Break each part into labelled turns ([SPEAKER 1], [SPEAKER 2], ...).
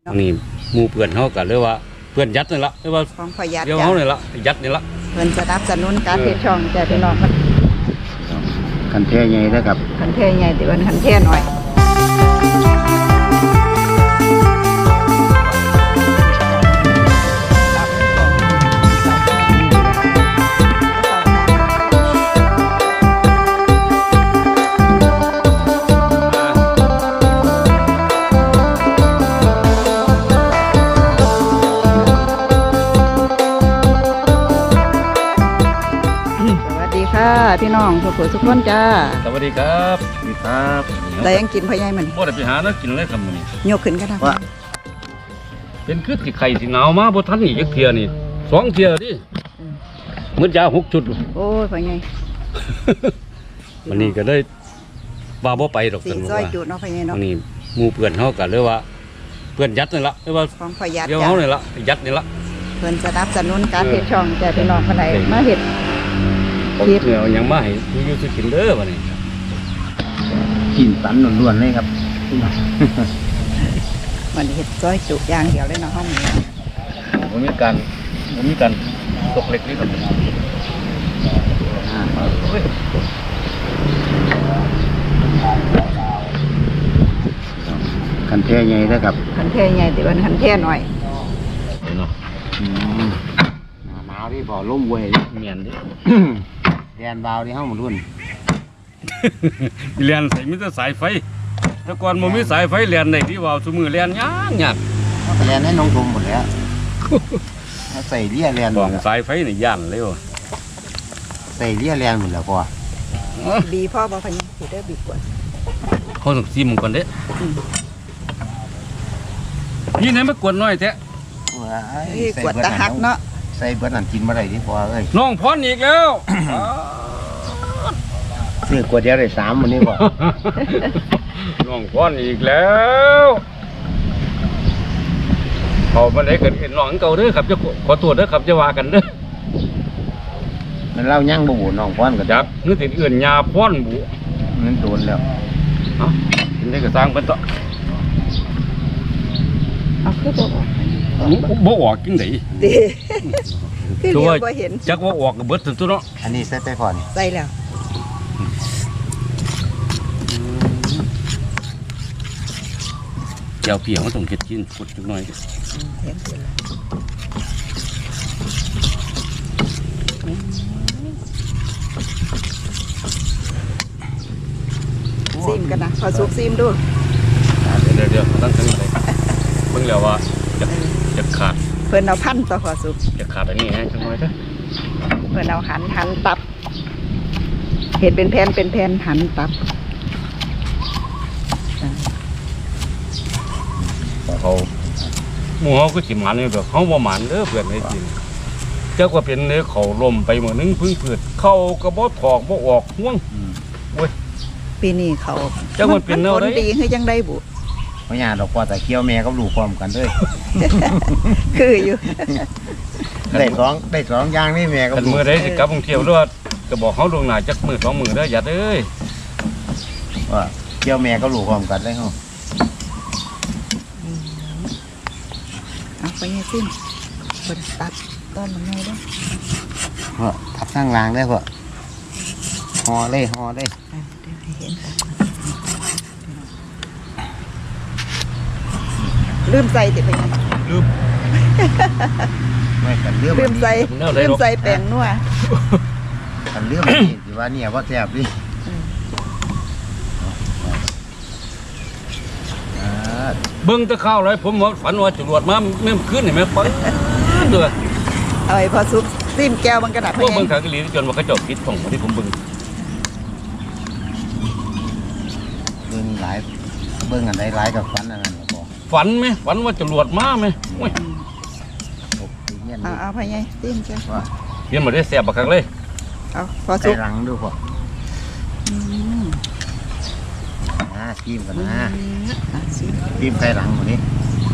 [SPEAKER 1] นี่หมู่เพื่อนเขากันเลยว่าเพื่อนยัดนี่ละเรียกว่า
[SPEAKER 2] ของพยัด
[SPEAKER 1] เดี๋ยวเขานี่ละยัดนี่ละ
[SPEAKER 2] เพิ่นสนับสนุนการเฮ็ดช่องจ้ะพี่น้องมัน
[SPEAKER 3] คันแท้ใหญ่นะครับ
[SPEAKER 2] คันเทใหญ่แต่ว่าคันเทน้อยพี่น้องทุกคนทุกคนจ้า
[SPEAKER 1] สวัสดีครับ
[SPEAKER 3] นี่ครับ
[SPEAKER 2] แต่ยังกินพ่อใหญ่มัน
[SPEAKER 1] บ่ได้ไปหาเนาะกินเลยครับมื้อนี้
[SPEAKER 2] ยกขึ้นก็ได้
[SPEAKER 3] ว่า
[SPEAKER 1] เป็นคือที่ไข่ที่หนาวมาบ่ทันอีกจักเที่ยนี่2เที่ยดิมื้อยา6ชุด
[SPEAKER 2] โอ้ยพ่อใหญ่
[SPEAKER 1] วันนี้ก็เลยว่าบ่ไปดอก
[SPEAKER 2] สิ
[SPEAKER 1] กัน
[SPEAKER 2] ซอยจุดเนาะพ่อใหญ่เนาะ
[SPEAKER 1] วันนี้หมู่เพื่อนเขากันเลยว่าเพื่อนยัดนี่ละเรียกว่า
[SPEAKER 2] ของพยัด
[SPEAKER 1] เดี๋ยว
[SPEAKER 2] จ้ะ
[SPEAKER 1] เขานี่ละยัดนี่ละ
[SPEAKER 2] เพิ่นสนับสนุนการเฮ็ดช่องจ้ะพี่น้องคนใดมาเฮ็ด
[SPEAKER 1] ผม
[SPEAKER 2] คิด
[SPEAKER 1] เนี่ยเอาหยังมาให้อยู่สิกินเด้อบัดนี้
[SPEAKER 3] กินสันล้วนๆเลยครับ
[SPEAKER 2] มันเฮ็ดซอยจุอย่างเดียวเลยเนาะห้องนี้
[SPEAKER 1] บ่มีการตกเล็กนี่ครับ
[SPEAKER 3] คันแท้ใหญ่นะครับ
[SPEAKER 2] คันเทใหญ่แต่ว่าคันเทน้อย
[SPEAKER 1] เนาะ
[SPEAKER 3] หนาวที่บ่อล่มเวย
[SPEAKER 1] เมียนดิ
[SPEAKER 3] แดนบาวที่เฮาหมดรุ่น
[SPEAKER 1] เรียนใส่มีแต่สายไฟแต่ก่อนบ่มีสายไฟเรียนได้ที่ว่าซุมื้อเรียนยาก
[SPEAKER 3] เขาไปแลนให้น้องชมหมดแล้วเขาใส่เลี่ยแลนห
[SPEAKER 1] บ
[SPEAKER 3] ม
[SPEAKER 1] อ
[SPEAKER 3] ด
[SPEAKER 1] ก
[SPEAKER 3] แล้ว
[SPEAKER 1] สายไฟนี่ย่านเลยว่ะ
[SPEAKER 3] ใส่เลี่ยแลนหมดแล้วพอ
[SPEAKER 2] บีพ่อบ่พ่อใหญ่สิเด้อบีกว่า
[SPEAKER 1] เขาต้องซิมก่อนเด้นี่ไหนมากวนน้อยแท้
[SPEAKER 2] นี่กวดตะหักเนาะ
[SPEAKER 3] ใส่เบิดนั่นกินบ่ได้ที่พอเอ้ย
[SPEAKER 1] น้องพรอีกแล้ว
[SPEAKER 3] ซื้อกวดเดียวได้3มื้อนี้บ่
[SPEAKER 1] น้องพรอีกแล้วเขามาได้กันน้องเก่าเด้อครับจะขอโทษเด้อครับจะว่ากันเด้อ
[SPEAKER 3] มันเล่ายั่งบ่บูน้องพรก็
[SPEAKER 1] จักนึกถึงอื่นยาพรบุ
[SPEAKER 3] มันโดนแล้ว
[SPEAKER 1] เอ้ากินได้ก็สร้างเพิ่นต่อ
[SPEAKER 2] เอาคือบ่ออก
[SPEAKER 1] บ่ออกจังได๋
[SPEAKER 2] ดีคือเดียวบ่เห็น
[SPEAKER 1] จักว่าออกก็เบิดถึงตัวเนาะ
[SPEAKER 3] อันนี้ใส่ไปพอนี่
[SPEAKER 2] ใส่แล้ว
[SPEAKER 1] เจ้าเปียกมันต้องเฮ็ดกินกดจักหน่อย
[SPEAKER 2] เห็นเสร็จแล้วซิมกันนะพอสุกซิมดู
[SPEAKER 1] เดี๋ยวตั้งถึงอะไรเบิ่งแล้วว่าจะขาด
[SPEAKER 2] เพิ่นเอาพันต่อพอสุก
[SPEAKER 1] จะขาดอันนี้ฮะจังหน่อยเด้อ
[SPEAKER 2] เพิ่นเอาหันตับเห็ดเป็นแผ่นเป็นแผ่นหันตับ
[SPEAKER 1] เขาหมู่เฮาก็สิหมันนี่แบบเฮาบ่หมันเด้อเพื่อนไอ้จริงจักว่าเป็นเนื้อเขาล่มไปมื้อนึงพึ่งพืชเข้าก็บ่ถอกบ่ออกห่วง
[SPEAKER 2] ปีนี้เขา
[SPEAKER 1] จักมันเป็นแนว
[SPEAKER 2] ผ
[SPEAKER 1] ใด
[SPEAKER 2] ลดีคือจังได้บุ
[SPEAKER 3] บ่ยากดอกพอแต่เคี้ยวแม่กับลูกพร้อมกันเด้อ
[SPEAKER 2] คืออยู่
[SPEAKER 3] ได้สองอย่างนี่แม่กับ
[SPEAKER 1] คัน
[SPEAKER 3] ลูก
[SPEAKER 1] มื้อใดสิกลับกรุงเทพหรือว่าก็บอกเฮาล่วงหน้าจักมื้อ2มื้อเด้ออย่าเด้อ
[SPEAKER 3] ว่าเคี้ยวแม่กับลูกพร้อมกันเลยเฮา
[SPEAKER 2] เอาไปให้ซิมเพิ่นตัดต้นมันไงเด้อ
[SPEAKER 3] เพราะทับทางล่างได้พอห่อเลย
[SPEAKER 2] เดี๋ยวให้เห็นกันลืมใส่ติไปยัง
[SPEAKER 1] ลืม
[SPEAKER 3] ไม่กันเรื่อง
[SPEAKER 2] ลืมใส่
[SPEAKER 1] แนวใด
[SPEAKER 2] ลืม
[SPEAKER 1] หรอก
[SPEAKER 2] ใส่แป้งนัว
[SPEAKER 3] กันเรื่องนี่สิว่าเนี่ยว่าแซ่บดิอ่า
[SPEAKER 1] เบิ่งแตะข้าวเลยผมว่าฝันว่าจรวดมาแม่นคืนนี่แม่ปึ้งเด้อ
[SPEAKER 2] เอาไอ้พอซุปซิมแก้วมันกระดับ
[SPEAKER 1] พวกเบิ่งขางอีหลีจนว่าเขาเจ้าปิดช่องที่ผมเบิ่ง
[SPEAKER 3] เบิ่งหลายเบิ่งอันใดหลายกับฟันอันนั้นก็พอ
[SPEAKER 1] ฝันไหมฝันว่าจรวดมาไหมโอ้ย
[SPEAKER 3] ตกตีเงี้ยน
[SPEAKER 2] เอาไปไงซิมแก้ว
[SPEAKER 3] ว่า
[SPEAKER 1] เห็นบ่ได้แซ่บบักคักเลย
[SPEAKER 2] เอาพอ
[SPEAKER 3] ใส่
[SPEAKER 2] ซุป
[SPEAKER 3] หลังดูพอ
[SPEAKER 2] อืม
[SPEAKER 3] จิ้มกันนะ
[SPEAKER 2] อ่ะซิม
[SPEAKER 3] จิ้มใส่หลังหมดนี้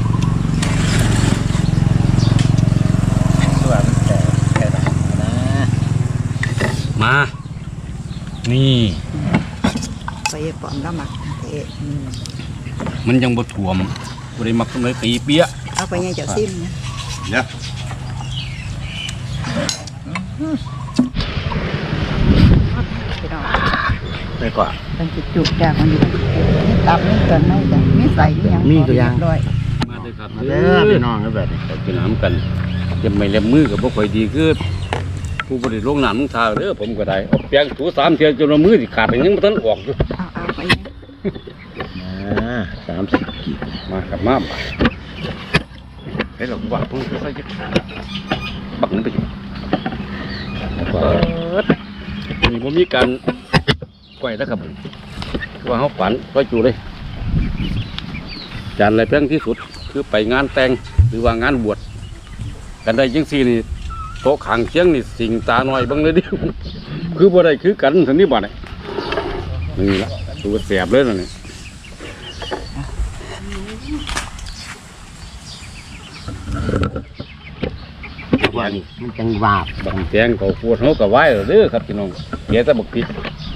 [SPEAKER 3] ตัวมันใส่หลังนะ
[SPEAKER 1] มา นี่
[SPEAKER 2] ไปปอมละหมักเอ๊ะ
[SPEAKER 1] มันยังบ่ท่วมบ่ได้มักสมัยตีเปี้ย
[SPEAKER 2] เอาไปไงจะซิมนะ
[SPEAKER 1] เนี่ย
[SPEAKER 2] พี่น้อง
[SPEAKER 3] ไปกว่า
[SPEAKER 2] เป็นจุกๆจากมันอยู่นี่ตับนี่เกินไม่จ้ะนี่ใส่นี่ยัง
[SPEAKER 3] มีตัวอย่าง
[SPEAKER 2] เรีบร้อย
[SPEAKER 1] มาเด้อครับ
[SPEAKER 3] มาเด้อพี่น้องก็แบบนี้
[SPEAKER 1] ไปกินน้ำกันจะไม่เล็มมือกับบ่ค่อยดีคือผู้บริโภคน้ำมึงทาเด้อผมก็ได้เอาแป้งถู3 เที่ยวจนว่ามือสิขาดยังบ่ทันออกอยู่
[SPEAKER 2] เอาไปไง
[SPEAKER 3] 30 กิโล
[SPEAKER 1] มาครับมาให้เราว่าเพิ่งใส่จักบักมันไปอยู่นี่บ่มีการก้อยแล้วครับว่าเฮาฝันก็อยู่เลยจานอะไรแพงที่สุดคือไปงานแต่งหรือว่างานบวชกันได้จังซี่นี่โต๊ะข้างเคียงนี่สิงตาหน่อยเบิ่งเลยดิ คือบ่ได้คือกันทันนี้บ่ได้นี่ละตัวแสบเลยนั่นนี่
[SPEAKER 3] ว่านี่มันจังวาบ
[SPEAKER 1] บักแตงเขาปวดเฮาก็ไหว้แล้วเด้อครับพี่น้องแกแต่บักพริก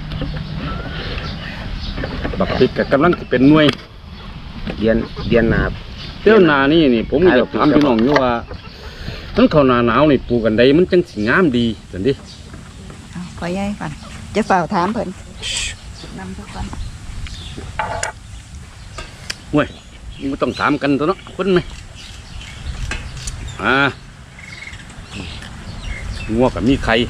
[SPEAKER 1] ก็กำลังสิเป็นหน่วย
[SPEAKER 3] เดียนหนา
[SPEAKER 1] เจ้านานี่ผมอยากถามพี่น้องอยู่ว่ามันเข้าหน้าหนาวนี่ปลูกกันใดมันจังสิงามดีจังดิ
[SPEAKER 2] เอาไปไงก่อนจะเฝ้าถามเพิ่นนำทุกคน
[SPEAKER 1] เว้ยมันต้องถามกันตัวเนาะคนไหมงัวกับมีไข่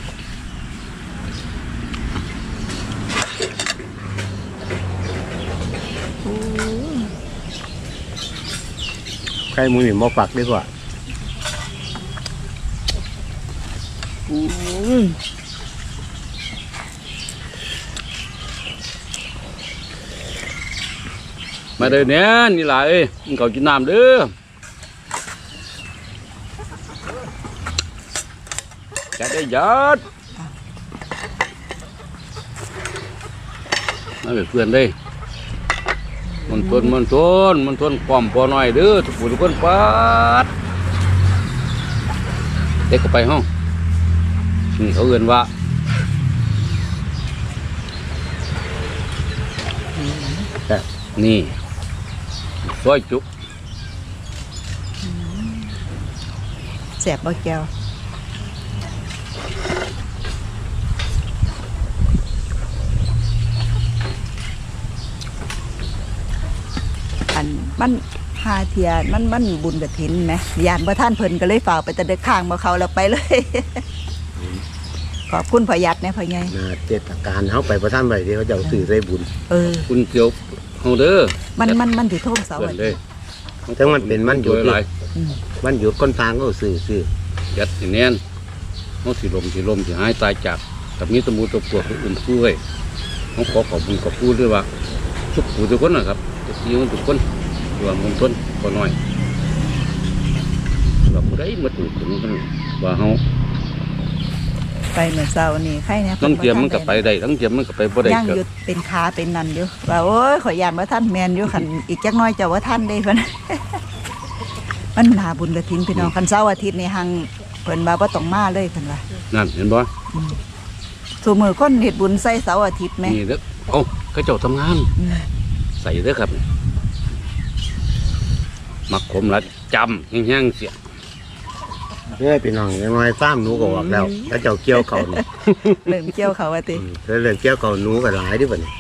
[SPEAKER 3] ใครมือมาฝักดีกว่า
[SPEAKER 1] มาเด้อเนี่ยนี่ล่ะเอ้ยมึงเขากินน้ำเด้อจะได้ยัดมาเป็นเพื่อนได้มันทนความพอหน่อยเด้อทุกผู้ทุกคนปัดเด็กก็ไปห้องนี่เขาเอื่นว่านี่ซอยจุ
[SPEAKER 2] แสบบ่แก้วอันมันพาเทียมันบุญกฐินไหมยานบ่ท่านเพิ่นก็เลยฝ่ากไปแต่เด็กข้างบ่เขาแล้วไปเลย ขอบคุณพอยัดนะพ่อใหญ่
[SPEAKER 3] นาเทศกาลเขาไปประท่านไปที่เขาจะเอาสื่อใส่บุญ
[SPEAKER 1] คุณเกียวเฮาเด้อ
[SPEAKER 2] มันถือโทษเสา
[SPEAKER 1] เพื่อนเลย
[SPEAKER 3] ทั้งมันเป็นมันหยุด
[SPEAKER 1] หลาย
[SPEAKER 3] มันหยุดก้นทางก็สื่อ
[SPEAKER 1] ยัดสิแน่นเฮาสิลมสิหายตายจากกับมีตะมูตะปวกอุ่นสู้ไว้เฮาขอขอบคุณขอบคุณด้วยว่าทุกผู้ทุกคนนะครับทุกทีทุกคนรวมกันต้นก็น้อยว่าผู้ใดมาถูกถึงกันว่าเฮา
[SPEAKER 2] ไปเหมือนเสานี่ใครเนี่ย
[SPEAKER 1] ทั้งเทียมมันก็ไปได้ทั้งเทียมมันก็ไปบ่ได้
[SPEAKER 2] ย่าง
[SPEAKER 1] เกิ
[SPEAKER 2] หยุ
[SPEAKER 1] ด
[SPEAKER 2] ดเป็นขาเป็นนันอยู่ว่าโอ้ยขอยานว่าท่านแมนอยู่ขันอีกจักหน้อยจะว่าท่านได้เพิ่น มันหนาบุญกฐินพี่น้องคันเสาร์อาทิตย์นี่หังเพิ่นว่าบ่ต้องมาเลยเพิ่นว่า
[SPEAKER 1] นั่นเห็นบ่
[SPEAKER 2] สู่มือคนเฮ็ดบุญใส่เสาร์อาทิตย์แม่
[SPEAKER 1] นี่เด้อเอ้าเขาเจ้าทำงาน ใส่เด้อครับมักขมละจำแห้งๆเสีย
[SPEAKER 3] ๆเนี่ยพี่น้องยังน้อยฟ้ามหนูก็ออกแล้วแล้วเจ้าเกี่ยวเขานี่
[SPEAKER 2] เริ่มเกี่ยวเขาว่าติ
[SPEAKER 3] แล้วเรื่องเกี่ยวเขาหนูก็หลายด้วยบ่นี่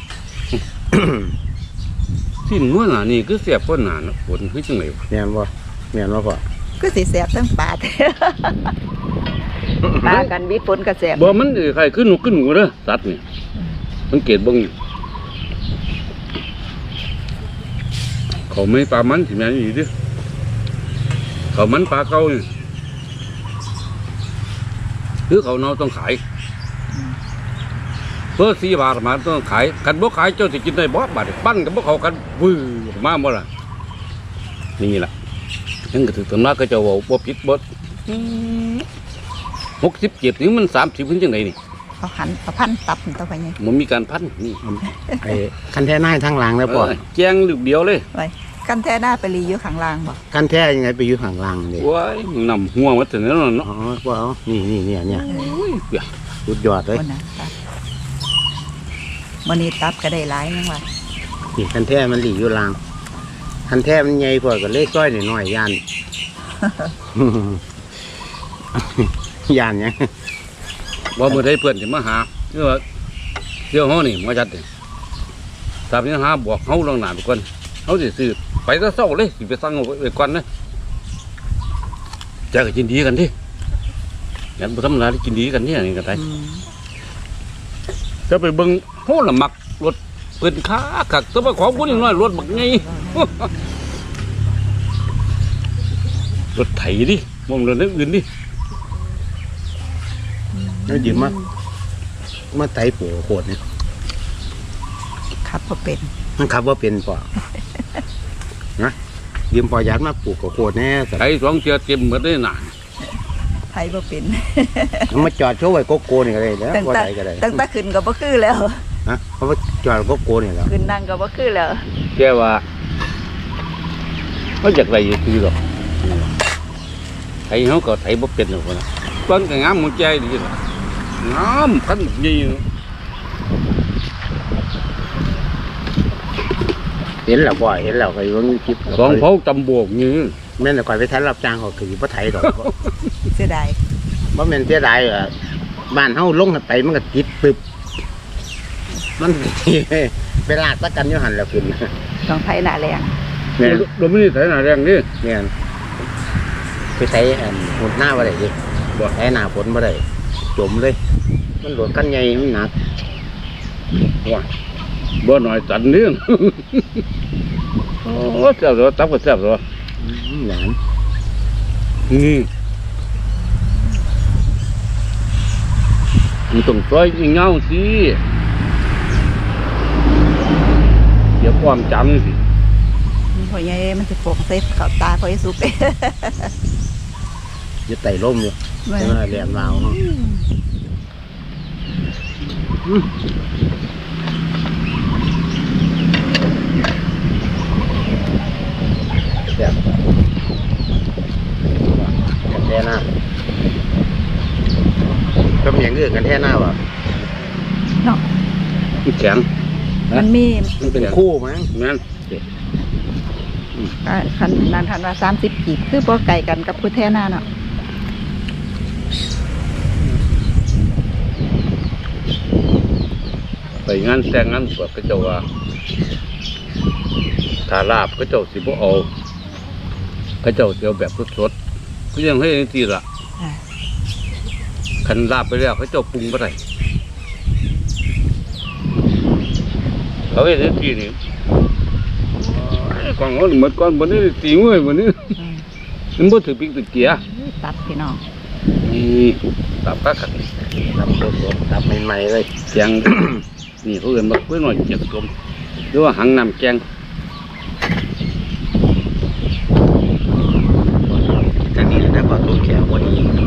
[SPEAKER 1] ที่นู้นน่ะนี่คือเสียบก้นหนานะฝนคือจังไหนวะ
[SPEAKER 3] แม่นบ่พ่อ
[SPEAKER 2] ก็สิแสบทั้งปาด ปากันวิฝนก็แสบ
[SPEAKER 1] บ่มันใครขึ้นหนูเด้อสัตว์นี่สังเกตเบิ่งเขาไม่ปลามันสิแม่นอีเด้อเขามันปลาเก่านี่คือเขาเนาต้องขายเพื่อ4 บาทมาต้องขายกันบ่ขายเจ้าสิกินได้บ่บาทปั้นกับบ่เขากันวื้อมาบ่ล่ะนี่ล่ะยังก็ถือตำราก็เจ้าเว้าบ่ผิดบ่67นี่มัน30ขึ้นจังไดนี่
[SPEAKER 2] เขาหันเขาพันตับต่อไปไง
[SPEAKER 1] มันมีการพันนี่
[SPEAKER 3] ไอ้คันแท้หน้าทั้งหลังแล้วพ่อ
[SPEAKER 1] แจ้งลูกเดียวเลย
[SPEAKER 2] ไว้กันแท้หน้าไปรีอยู่ข้างล่างบ่
[SPEAKER 3] คันแท้ยังไงไปอยู่ข้างล่างนี่
[SPEAKER 1] ว้ายนำหัวมาถึงนั้นเนาะ
[SPEAKER 3] อ๋อพ่อเอานี่เนี่ย
[SPEAKER 1] เดี๋ยว
[SPEAKER 3] สุดยอดเลย
[SPEAKER 2] คนน่ะตับมื้อนี้ตับก็ได้หลายยังว่า
[SPEAKER 3] นี่คันแท้มันหลีอยู่ล่างคันแท้มันใหญ่พอก็เลยก้อยน้อยๆย่าน ย่านเนี่ย
[SPEAKER 1] ว่าเมื่อใดเพื่อนจะมาหาเนื่อเที่ยวเฮานี่มาจัดนี่ตามนี้หาบอกเฮาลองหนาไปก่อนเฮาสิซื้อไปซะเศร้าเลยสิไปสั่งเอาไว้ก่อนนะจะก็กินดีกันดิงั้นบ่ธรรมดาที่กินดีกันเนี่ยนี่ก็ได้ จะไปเบิ่งโหละมักรถเปิดค้าขักแต่ว่าของพวกนี้น้อยรถบักไง รถไถดิมองรถเรื่องอื่นดิ
[SPEAKER 3] แล้วยืมมาไถปูโคตรเนี่ย
[SPEAKER 2] ครับพอเป็น
[SPEAKER 3] มันขับว่าเป็นป่ะ นะยืมปอยัดมาปลูกกับโคตรแน่แต่
[SPEAKER 1] ไถสองเชือเต็มหมดได้นาน
[SPEAKER 2] ไทยบ่เป็น
[SPEAKER 3] มาจอดโชว์ไว้โกโก้นี่ก็ได้แล้ว
[SPEAKER 2] ตั้ง
[SPEAKER 3] ว่า
[SPEAKER 2] แต่
[SPEAKER 3] ไหนก็ได้
[SPEAKER 2] ตั้งแต่ขึ้นก็บ่คือแล้ว
[SPEAKER 3] ฮะเพราะว่าจอดโกโก้นี่แล้ว
[SPEAKER 2] ขึ้นนั่งก็บ่คือแล้ว
[SPEAKER 1] แกว่าเขาอยากไรอยู่คือหรอกไถเขาก็ไถบ่เป็นหรอกนะต้นก็งามหัวใจดีล่ะงามพันยี่
[SPEAKER 3] เห็นแล้วบ่อยเห็นแล้วก็ยังคลิป
[SPEAKER 1] สองเผาตำบวกนี่
[SPEAKER 3] แม่นแต่ก่อนไปทันรับจ้างเขาคือบ่ไถดอก
[SPEAKER 2] เสียดาย
[SPEAKER 3] บ่แม่นเสียดายบ้านเฮาลงไปมันก็ติดปึ๊บมันไปลากตะกันอยู่หั่นแล้วขึ้น
[SPEAKER 2] ต้องไทยหน้าแรง
[SPEAKER 3] แม่น
[SPEAKER 1] เราไม่ได้ไถหน้าแรงนี่
[SPEAKER 3] แม่นไปไถหดหน้าบ่ได้ดิบ่ไถหน้าฝนบ่ได้จมเลย มันโดดกันใหญ่มันหนัก
[SPEAKER 1] ว่าบ่หน่อยตันนี่ โอ้แซ่บเลยตับก็แซ่บเลย
[SPEAKER 3] หลาน
[SPEAKER 1] มันต้องซอยเงาสิเดี๋ยวความจำสิ
[SPEAKER 2] มันพ่อใหญ่มันสิโปกใส่เข้าตาพ่อใหญ่สุก
[SPEAKER 3] อยู่ไต่ร่มอยู่
[SPEAKER 2] แม่
[SPEAKER 3] ใช่ไหมแหลมลาวเนาะแบบกันแท่หน้าก็มีอย่างอื่นกันแท่หน้าวะ
[SPEAKER 2] เนาะ
[SPEAKER 1] มันแข็ง
[SPEAKER 2] มันมี
[SPEAKER 3] มันเป็นคู่มั้ง
[SPEAKER 1] แม่น
[SPEAKER 2] คันนั้นคันว่า30กีบคือบ่ไกลกันกับผู้แท้หน้าเนาะ
[SPEAKER 1] ไปงานแต่งงานบวชก็เจ้าว่าถ้าลาบก็เจ้าสิบ่เอาก็เจ้าเดียวแบบสดๆก็ยังให้ทีละ
[SPEAKER 2] อ่า
[SPEAKER 1] คันลาบไปแล้วเขาเจ้าปรุงบ่ได้เขาเห็นทีนี่กองเขาหมดก่อนบนนี้ตีมือวันนี้
[SPEAKER 2] อืม
[SPEAKER 1] มันบ่ถือพริกถือเกียร์
[SPEAKER 2] ตัดพี่น้อง
[SPEAKER 1] นี่ตับปลาขัด
[SPEAKER 3] ทำสดๆทำใหม่ๆเลย
[SPEAKER 1] แกง นี่เขาเอิ้นว่าเพื่อนหน่อยเจ็บกลมหรือว่าหังน้ำแกง
[SPEAKER 3] จากนี้แล้วก็ตัวแขวพอดี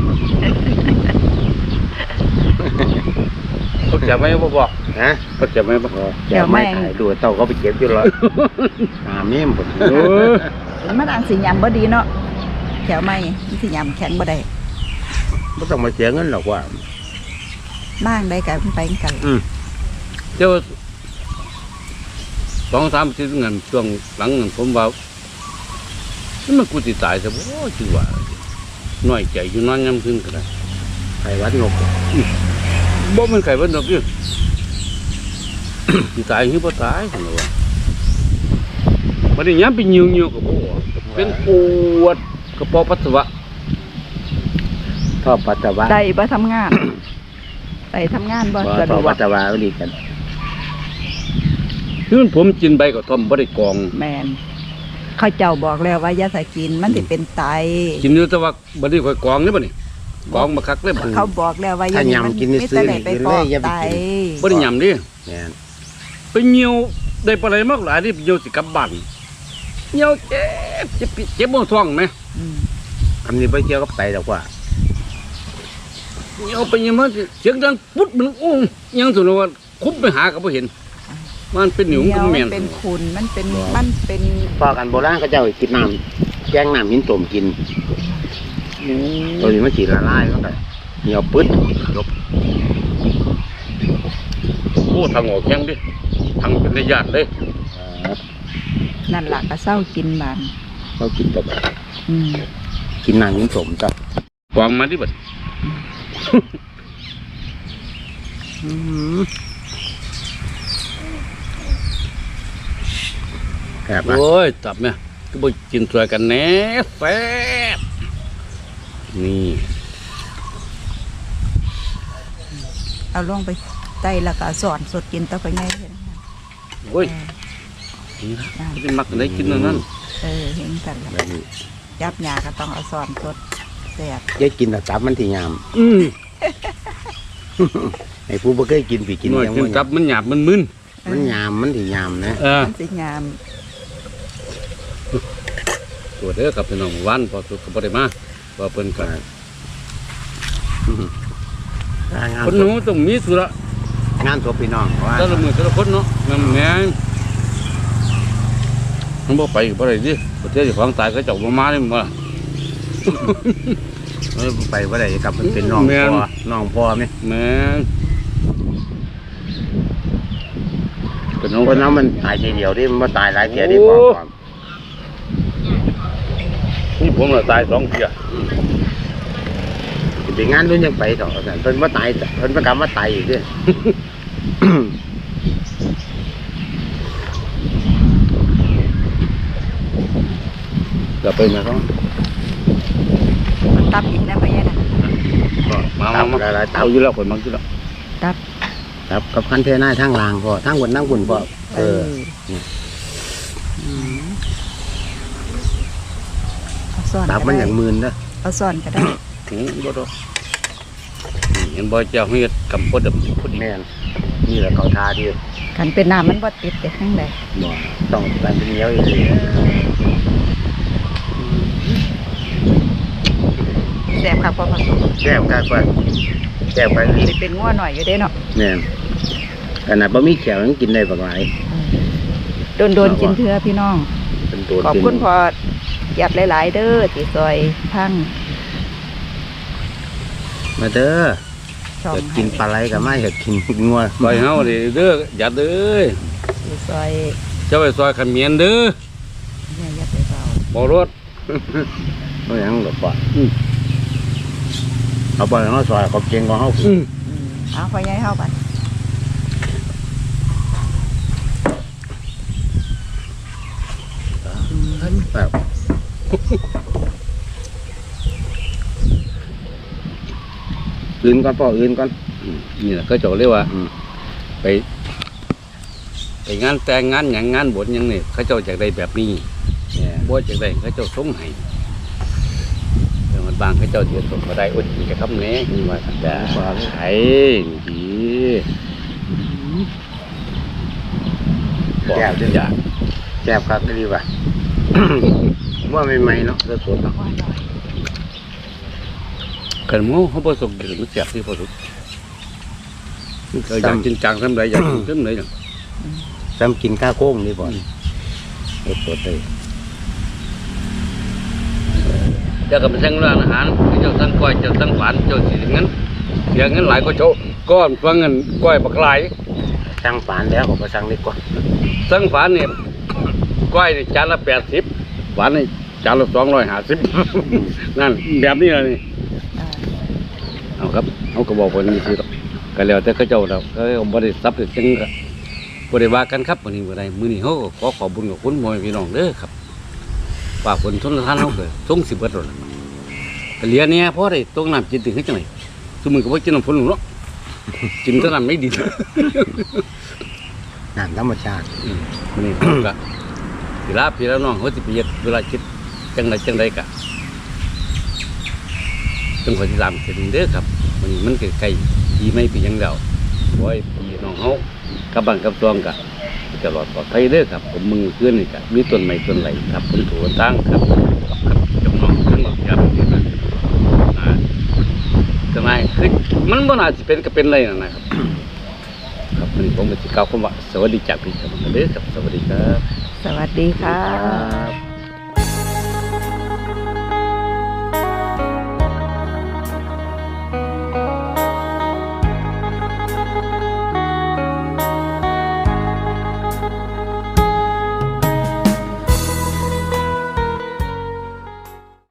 [SPEAKER 1] เขาจะไม่บอก
[SPEAKER 3] นะ
[SPEAKER 1] เขาจะไม่บอก
[SPEAKER 3] แขวไม่ถ่ายดูเต่าเขาไปเก็บอยู่แล้วเมี่ยมผม
[SPEAKER 1] เออ
[SPEAKER 2] มันอันสิยำบ่ดีเนาะแถวไม่มันสิยำแข็งบ่ได้
[SPEAKER 3] ไม่ต้องมาเสียเงินหรอกว่า
[SPEAKER 2] นั่งได้กันไปกัน
[SPEAKER 1] เจ้า2-3 ชิ้นเงินช่วงหลังเงินผมว่ามันกูสิตายซะบ่ชื่อว่าน้อยใจอยู่นอนยามคืนก็ได้
[SPEAKER 3] ไข่วัดงบ
[SPEAKER 1] บ่มันไข่เบิ่นดอกอยู่ สิตายหรือบ่ตายซั่นว่าบ่ได้ยามไปยิวๆก็บ่เป็นปวดกระเพาะปัสสาวะ
[SPEAKER 3] ท่อปัสสาวะ
[SPEAKER 2] ได้บ่ทำงาน ได้ทำงานบ่สะด
[SPEAKER 3] ท่อ
[SPEAKER 2] ว
[SPEAKER 3] ปั
[SPEAKER 2] ก
[SPEAKER 3] สสาวะก็ดีกัน
[SPEAKER 1] คือผมกินใบกระท่อมบ่ได้กรอง
[SPEAKER 2] แมนเขาเจ้าบอกแล้วว่าอย่าใส่กินมันสิเป็นไต
[SPEAKER 1] กินอยู่แต่ว่าบ่ได้ค่อยกรองเด้บ่นี่กรองมาคักเลยบ่
[SPEAKER 2] เขาบอกแล้วว่าอย่า
[SPEAKER 3] ถ้ายำกินนี่ซื้อนี่
[SPEAKER 2] ไป
[SPEAKER 3] กิน
[SPEAKER 2] ฟ
[SPEAKER 3] เล
[SPEAKER 2] อย ก
[SPEAKER 3] อย่าไป
[SPEAKER 2] ไต
[SPEAKER 3] กิน
[SPEAKER 1] บ่ได้ยำดิ
[SPEAKER 3] เนี่ย
[SPEAKER 1] ไปเหี่ยวได้ปลาไหลมากหลายที่เหี่ยวสิกลับบ้านเหี่ยวเจ็บบ่ท้องไหม
[SPEAKER 2] อืม
[SPEAKER 3] คำนี้ไปเกี่ยวกับไตหรอกว่า
[SPEAKER 1] เหี่ยวไปเหี่ยวมาเสียงดังปุ๊ดมันอุ้งยังสุดว่าคุบไปหาก็บ่เห็นมันเป็นหนิว
[SPEAKER 2] เหนี
[SPEAKER 1] ก็
[SPEAKER 2] ยว
[SPEAKER 1] แม่
[SPEAKER 2] มัน นเป็นขุนมันเป็น
[SPEAKER 3] พอกันโบราณเขาเจ้ากินน้ำแกงน้ำหินต้มกินตัวนี้มันสีละลายก็ได้เหนียวปึ๊ดยก
[SPEAKER 1] โอ้ทางออกแข็งดิทางเป็นระยะเลย
[SPEAKER 2] นั่นล่ะก็เศร้ากินบาน
[SPEAKER 3] เรากินกับ
[SPEAKER 2] อืม
[SPEAKER 3] กินน้ำมิ้นสมจ้ะ
[SPEAKER 1] วางมาดิบัด
[SPEAKER 3] แอบนะ
[SPEAKER 1] โอ้ยตับเนี่ยก็บ่กินสวยกันแหน่แซ่บนี่
[SPEAKER 2] เอาลงไปไต่แล้วก็สอนสดกินต่อไปไงเห็น
[SPEAKER 1] โอ้ยนี่นะไม่ได้มักได้กินนั่นนั่น
[SPEAKER 2] เห็นกันแล้ว
[SPEAKER 3] แบบนี้
[SPEAKER 2] ยับหยาก็ต้องเอาสอนสดแซ่บ
[SPEAKER 3] ยายกินแต่ตับมันที่ยาม
[SPEAKER 1] อืม
[SPEAKER 3] ไอ้ผู้บ่เคยกินปีกิน
[SPEAKER 1] หน่อย
[SPEAKER 3] ยัง
[SPEAKER 1] กิน
[SPEAKER 3] บ่
[SPEAKER 1] ตับมันหยาบมันมึน
[SPEAKER 3] มันยามมันที่ยามนะ
[SPEAKER 2] มันสิงาม
[SPEAKER 1] ตัวเด้อกับพี่น้องวันพอสุดก็บ่ได้มาว่าเพิ่นก็
[SPEAKER 3] งาน
[SPEAKER 1] คนหนูต้องมีสุระ
[SPEAKER 3] งานศพพี่น้องว่า
[SPEAKER 1] แต่ละมื้อแต่ละคนเนาะแม่นแม่นมันบ่ไปก็บ่ได้ดิประเทศเจ้าของตายก็เจ้าบ่มานี่บ่
[SPEAKER 3] ไปว่าได้กลับมันเป็นน้อง
[SPEAKER 1] แม่น
[SPEAKER 3] พ่อน้องพ่อไหม
[SPEAKER 1] แม่นเป็นน้อง
[SPEAKER 3] คนนั้นมันตายทีเดียวดิมันบ่ตายหลายเทียดิ
[SPEAKER 1] โอ้
[SPEAKER 3] พ่อความ
[SPEAKER 1] นี่ผมน่ะตาย2เที่ย
[SPEAKER 3] ไปงานนู้นยังไปต่อแต่เพิ่นบ่ตายเพิ่นประกรรมว่าตายอีกเด้
[SPEAKER 1] ก็ไปมาเขา
[SPEAKER 2] มันตับอีกนะไปยังน่ะ
[SPEAKER 1] มา
[SPEAKER 3] หลายๆ
[SPEAKER 1] เอาอยู่แล้วคนมักอยู่แล้ว
[SPEAKER 2] ตับ
[SPEAKER 3] ครับกับคันเทน่าทางลางพ่อทางบนนั่งบนพ่อ
[SPEAKER 2] อื
[SPEAKER 3] ม
[SPEAKER 2] เอาสอน
[SPEAKER 3] ตับ
[SPEAKER 2] ก็
[SPEAKER 3] มันอ
[SPEAKER 2] ได้
[SPEAKER 3] ย่างมืนเด้อ
[SPEAKER 2] เอาสอนก็ได้
[SPEAKER 1] ถึงบ่ดอกเห็นบ่เจ้าเฮ็ดกำปดพอดี
[SPEAKER 3] แม่นนี่แหละเขาทาดี
[SPEAKER 2] ขันเป็นน้ำมันบ่ติดแต่ข้างใด
[SPEAKER 3] บ่ต้องการเป็นเหนียวอีก
[SPEAKER 2] แซ่บครับพอผสม
[SPEAKER 3] แก้วกากว่าแก้วไป
[SPEAKER 2] สิเป็นงัวหน่อยอยู่เด้เนาะ
[SPEAKER 3] แม่นขนาดบะหมี่เขียวยังกินได้บักหลาย
[SPEAKER 2] โดนกินเทื่อพี่น้อง
[SPEAKER 3] เป็นตัว
[SPEAKER 2] ขอบคุณพอหยัดหลายๆเด้อที่ซอยพัง
[SPEAKER 3] มาเด้อ
[SPEAKER 2] ช่อง
[SPEAKER 3] อยากกินปลาไหลกับไม่อยากกินงัว
[SPEAKER 1] ซอยเฮาดิเด้ออย่าเด้อ
[SPEAKER 2] ที่ซอย
[SPEAKER 1] เจ้าไปซอยขมิ้นเด้อ
[SPEAKER 2] เนี่ยยัดไปเบา
[SPEAKER 1] บ่รถ
[SPEAKER 3] บ่หยังหรอกป่ะเอาไปเฮาซอยเขาเก่งกว่าเฮา
[SPEAKER 2] เอาพอใหญ่เฮาบัด
[SPEAKER 3] แบบอื่นก่อนพ่ออื่นก่อน
[SPEAKER 1] นี่แหละก็เจ้าเรียกว่า
[SPEAKER 3] อืม
[SPEAKER 1] ไปงานแต่งงานหยังงานบวชหยังนี่เขาเจ้าจากได้แบบนี้
[SPEAKER 3] เนี่ย
[SPEAKER 1] บ่จากได้เขาเจ้าส่งให้แต่มันบางเขาเจ้าเสียส่งบ่ได้อดกินกับคำแหน่นี่ว่าซั่นจ้ะไอ้ดีบอกจังอยาก
[SPEAKER 3] แซ่บครับดีว่ะ ว่าใหม่ๆเนาะสดๆเนาะ
[SPEAKER 2] ว่าหน่อย
[SPEAKER 1] กันหมูเขาบ่ส่งกินมันแซ่บที่พอสุดก็อยากกินจังซำใดอยากกินซำใดน่ะ
[SPEAKER 3] ซ้ำกินข้าวโค้งนี่บ่สดๆเลย
[SPEAKER 1] เจ้าก็ไปสั่งร้านอาหารเจ้าสั่งก้อยเจ้าสั่งหวานเจ้าสิเงินเสียเงินหลายก็เจ้าก้อนฟังเงินก้อยบักหลาย
[SPEAKER 3] สั่งฝานแล้วผมก็สั่งดีกว่า
[SPEAKER 1] สั่งฝานเนี่ยก้อยนี่จานละ80หวานนี่จานละ250นั่นแบบนี้เลยนี่
[SPEAKER 2] อ่า
[SPEAKER 1] เอาครับเอาก็บอกว่านี่สิก็แล้วแต่เขาเจ้าเราก็บ่ได้ซับจังก็บ่ได้ว่ากันครับวันนี้บ่ได้มื้อนี้เฮาก็ขอขอบคุญกับคุณพ่อแม่พี่น้องเด้อครับฝากผลทนทานเฮาก็ส่งสิเบิดแล้วล่ะก็เหลือเนี่ยพอได้ตรงน้ำกินถึงเฮ็ดจังได๋ซุมื้อก็บ่กินน้ำฝนเนาะกินแต่น้ำไม่ดี
[SPEAKER 3] น้ำธรรมชาติ
[SPEAKER 1] มื้อนี้ผมก็สิลาพี่แล้วน้องเฮาสิไปเฮ็ดเวลาคิดจังใดก็จังขอสิตามกันเด้อครับมื้อนี้มันใกล้ๆปีใหม่ปีหยังแล้วขอให้พี่น้องเฮากับบ้านกับซองก็ตลอดปลอดภัยเด้อครับผมมือขึ้นนี่ก็มีต้นไม้ต้นไหลครับผมถูกตั้งครับครับจำนองทั้งหมดครับนี่นะทำไมคือมันบ่น่าสิเป็นก็เป็นเลยนะครับ ครับวันนี้ผมก็สิกล่าวคำว่าสวัสดีจากพี่ครับเด้อครับสวัสดีครับ
[SPEAKER 2] สวัสดีค่ะ
[SPEAKER 3] ครับ